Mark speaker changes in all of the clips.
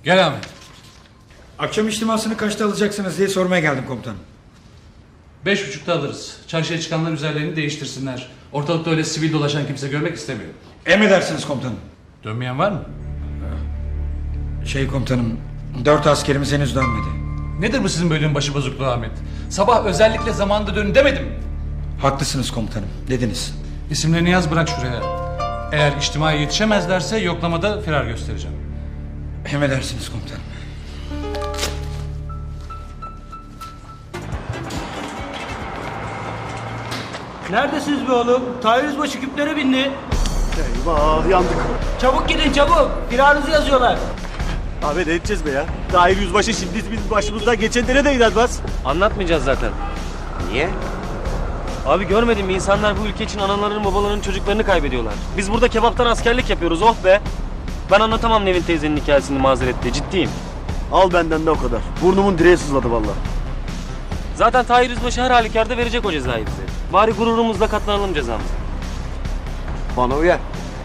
Speaker 1: Gel Ahmet.
Speaker 2: Akşam içtimasını kaçta alacaksınız diye sormaya geldim komutanım.
Speaker 1: 5.30'da alırız. Çarşıya çıkanlar üzerlerini değiştirsinler. Ortalıkta öyle sivil dolaşan kimse görmek istemiyor.
Speaker 2: Emredersiniz komutanım.
Speaker 1: Dönmeyen var mı?
Speaker 2: Komutanım, 4 askerimiz henüz dönmedi.
Speaker 1: Nedir bu sizin bölüğün başı bozukluğu Ahmet? Sabah özellikle zamanında dönün demedim mi?
Speaker 2: Haklısınız komutanım, dediniz.
Speaker 1: İsimlerini yaz, bırak şuraya. Eğer içtimaya yetişemezlerse yoklamada firar göstereceğim.
Speaker 2: Emredersiniz komutanım.
Speaker 3: Neredesiniz be oğlum? Tahir Yüzbaşı küplere bindi.
Speaker 4: Eyvah, yandık.
Speaker 3: Çabuk gidin çabuk. Firarınızı yazıyorlar.
Speaker 4: Abi ne edeceğiz be ya? Tahir Yüzbaşı şimdi bizim başımızdan geçenlere de inanmaz.
Speaker 5: Anlatmayacağız zaten.
Speaker 4: Niye?
Speaker 5: Abi görmedin mi, insanlar bu ülke için analarının babalarının çocuklarını kaybediyorlar. Biz burada kebaptan askerlik yapıyoruz, oh be. Ben anlatamam Nevin teyzenin hikayesini mazeretle, ciddiyim.
Speaker 4: Al benden de o kadar. Burnumun direği sızladı vallahi.
Speaker 5: Zaten Tahir Yüzbaşı her halükarda verecek o cezayı bize. Bari gururumuzla katlanalım cezamıza.
Speaker 4: Bana uyar.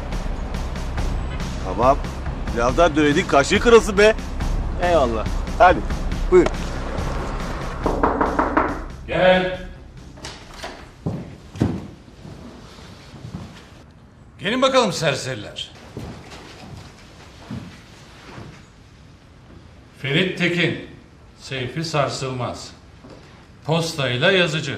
Speaker 4: Tamam. Birazdan dönedik, kaşığı kırılsın be.
Speaker 5: Eyvallah.
Speaker 4: Hadi, buyur.
Speaker 1: Gel. Gelin bakalım serseriler. Ferit Tekin, Seyfi Sarsılmaz. Postayla yazıcı.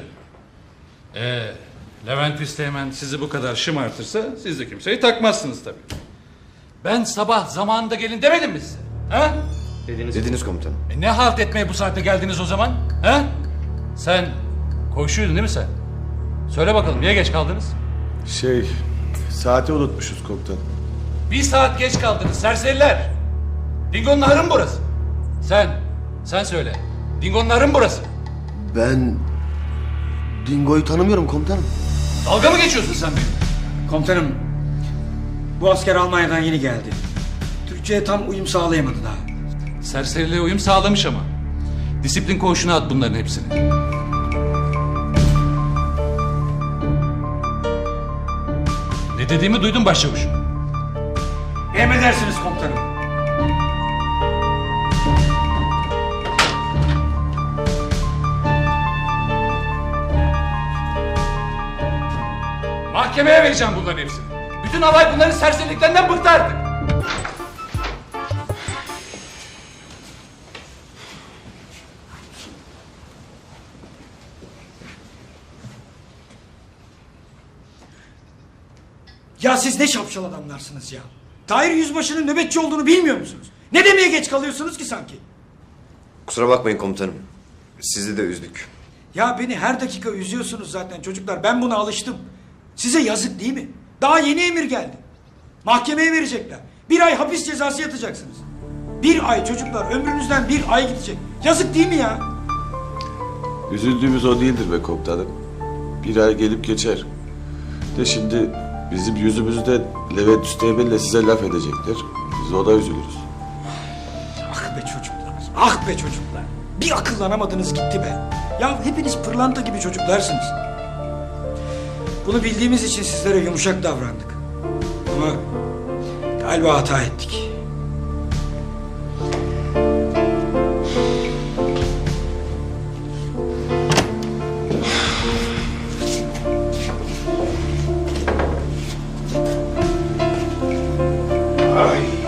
Speaker 1: Levent Üsteğmen sizi bu kadar şımartırsa siz de kimseyi takmazsınız tabii. Ben sabah zamanında gelin demedim mi size? Ha?
Speaker 4: Dediniz komutanım.
Speaker 1: Ne halt etmeye bu saatte geldiniz o zaman? Ha? Sen koşuyordun değil mi sen? Söyle bakalım niye geç kaldınız?
Speaker 6: Saati unutmuşuz komutanım.
Speaker 1: 1 saat geç kaldınız serseriler. Dingo'nun ahırı mı burası? Sen söyle. Dingo'nun ahırı mı burası?
Speaker 4: Ben Dingo'yu tanımıyorum komutanım.
Speaker 1: Dalga mı geçiyorsun sen benimle?
Speaker 2: Komutanım, bu asker Almanya'dan yeni geldi. Türkçe'ye tam uyum sağlayamadı daha.
Speaker 1: Serseriliğe uyum sağlamış ama. Disiplin koğuşuna at bunların hepsini. Ne dediğimi duydun başçavuşum.
Speaker 2: Emredersiniz komutanım.
Speaker 1: Mahkemeye vereceğim bunların hepsini. Bütün alay bunların serseriliklerinden bıktı artık.
Speaker 2: Ya siz ne şapşal adamlarsınız ya. Tahir Yüzbaşı'nın nöbetçi olduğunu bilmiyor musunuz? Ne demeye geç kalıyorsunuz ki sanki?
Speaker 7: Kusura bakmayın komutanım. Sizi de üzdük.
Speaker 2: Ya beni her dakika üzüyorsunuz zaten çocuklar. Ben buna alıştım. Size yazık değil mi? Daha yeni emir geldi. Mahkemeye verecekler. 1 ay hapis cezası yatacaksınız. 1 ay çocuklar, ömrünüzden 1 ay gidecek. Yazık değil mi ya?
Speaker 6: Üzüldüğümüz o değildir be komutanım. 1 ay gelip geçer. De şimdi bizim yüzümüzde Levent Üsteğmen'le size laf edecekler. Biz o da üzülürüz.
Speaker 2: Ah be çocuklar, ah be çocuklar. Bir akıllanamadınız gitti be. Ya hepiniz pırlanta gibi çocuklarsınız. Bunu bildiğimiz için sizlere yumuşak davrandık. Ama galiba hata ettik. Ay.